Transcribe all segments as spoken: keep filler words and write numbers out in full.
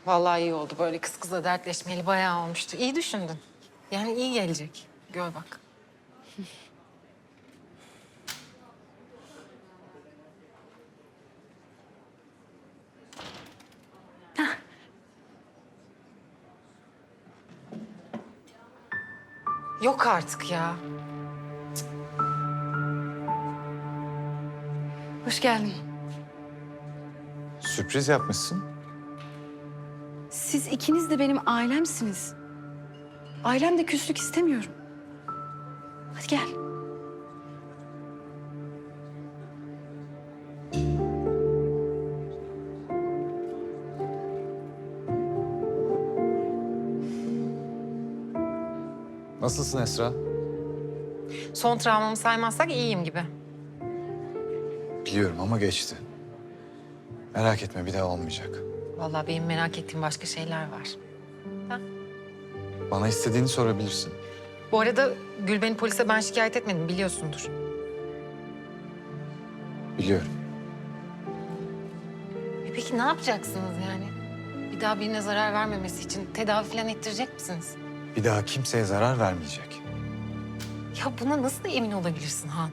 Vallahi iyi oldu. Böyle kız kıza dertleşmeli bayağı olmuştu. İyi düşündün. Yani iyi gelecek. Gör bak. Yok artık ya. Hoş geldin. Sürpriz yapmışsın. Siz ikiniz de benim ailemsiniz. Ailemde küslük istemiyorum. Hadi gel. Nasılsın Esra? Son travmamı saymazsak iyiyim gibi. Biliyorum ama geçti. Merak etme, bir daha olmayacak. Vallahi benim merak ettiğim başka şeyler var. Bana istediğini sorabilirsin. Bu arada Gülben'i polise ben şikayet etmedim biliyorsundur. Biliyorum. E peki ne yapacaksınız yani? Bir daha birine zarar vermemesi için tedavi falan ettirecek misiniz? Bir daha kimseye zarar vermeyecek. Ya buna nasıl emin olabilirsin Han?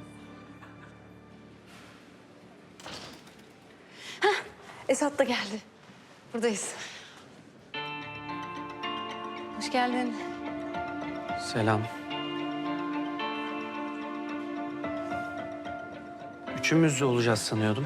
Esat da geldi. Buradayız. Hoş geldin. Selam. Üçümüz olacağız sanıyordum.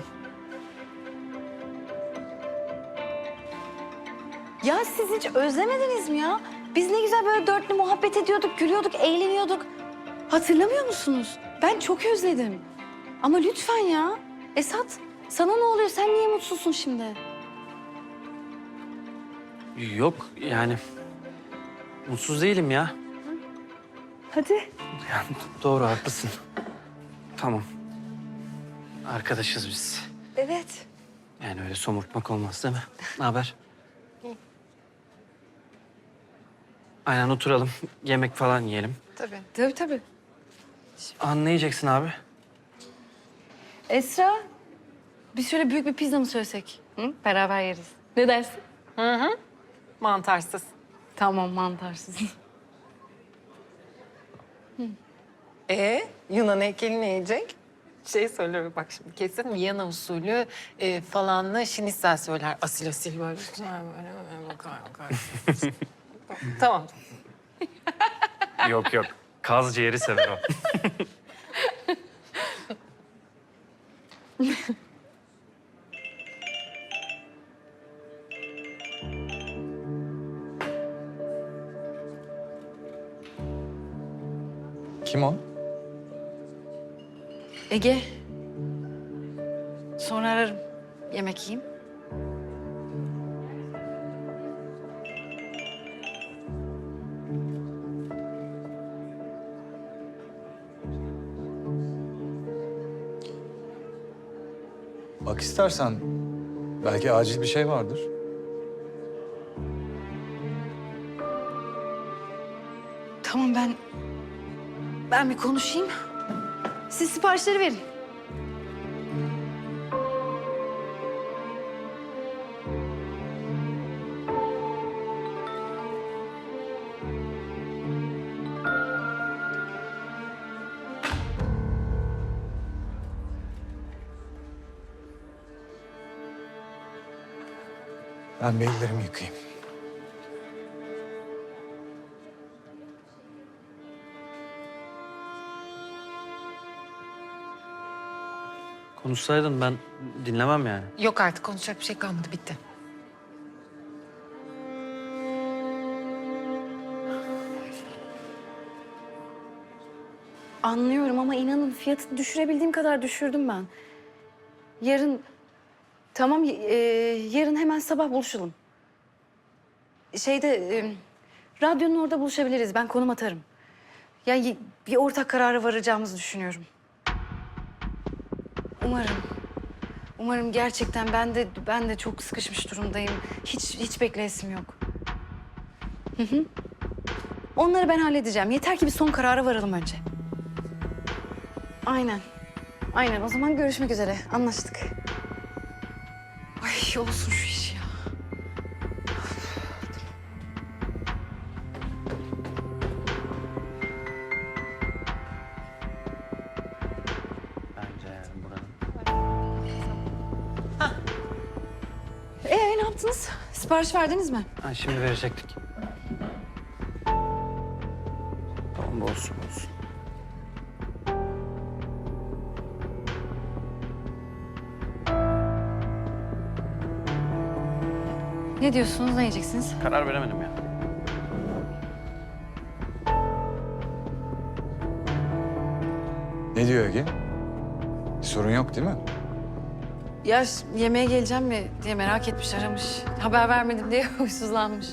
Ya siz hiç özlemediniz mi ya? Biz ne güzel böyle dörtlü muhabbet ediyorduk, gülüyorduk, eğleniyorduk. Hatırlamıyor musunuz? Ben çok özledim. Ama lütfen ya. Esat, sana ne oluyor? Sen niye mutsuzsun şimdi? Yok yani mutsuz değilim ya. Hadi. Yani doğru haklısın. Tamam. Arkadaşız biz. Evet. Yani öyle somurtmak olmaz değil mi? Ne haber? Aynen oturalım. Yemek falan yiyelim. Tabii. Tabii tabii. Aa, ne yiyeceksin abi? Esra, biz şöyle büyük bir pizza mı söylesek? Hı? Beraber yeriz. Ne dersin? Hı hı. Mantarsız. Tamam, mantarsız. E Yunan heykeli ne yiyecek? Şey söyler bak şimdi kesin Viyana usulü e, falanlı şinitsel söyler. Asil asil böyle. Güzel böyle, böyle bakar bakar. Tamam. Yok yok. Kaz ciğeri sever o. Kim o? Ege. Sonra ararım. Yemek yiyeyim. Bak istersen belki acil bir şey vardır. Tamam ben... Ben bir konuşayım. Siz siparişleri verin. Ben bir ellerimi yıkayayım. Konuşsaydın ben dinlemem yani. Yok artık konuşacak bir şey kalmadı bitti. Anlıyorum ama inanın fiyatı düşürebildiğim kadar düşürdüm ben. Yarın... Tamam, e, yarın hemen sabah buluşalım. Şeyde, e, radyonun orada buluşabiliriz. Ben konum atarım. Yani bir ortak karara varacağımızı düşünüyorum. Umarım. Umarım gerçekten ben de ben de çok sıkışmış durumdayım. Hiç hiç bekleyesim yok. Hı hı. Onları ben halledeceğim. Yeter ki bir son karara varalım önce. Aynen. Aynen. O zaman görüşmek üzere. Anlaştık. Ay olsun şu iş ya. yaptınız? Sipariş verdiniz mi? Ha, şimdi verecektik. Tamam, olsun olsun. Ne diyorsunuz? Ne yiyeceksiniz? Karar veremedim ya. Ne diyor Ege? Bir sorun yok değil mi? Ya ş- yemeğe geleceğim mi diye merak etmiş, aramış. Haber vermedim diye huysuzlanmış.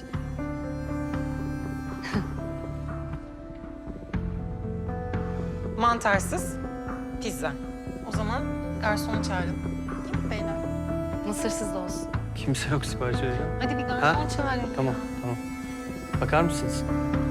Mantarsız pizza. O zaman garsonu çağırın. Değil mi beyler? Mısırsız da olsun. Kimse yok sipariş verecek. Hadi bir garson Ha? çağırın. Tamam tamam. Bakar mısınız?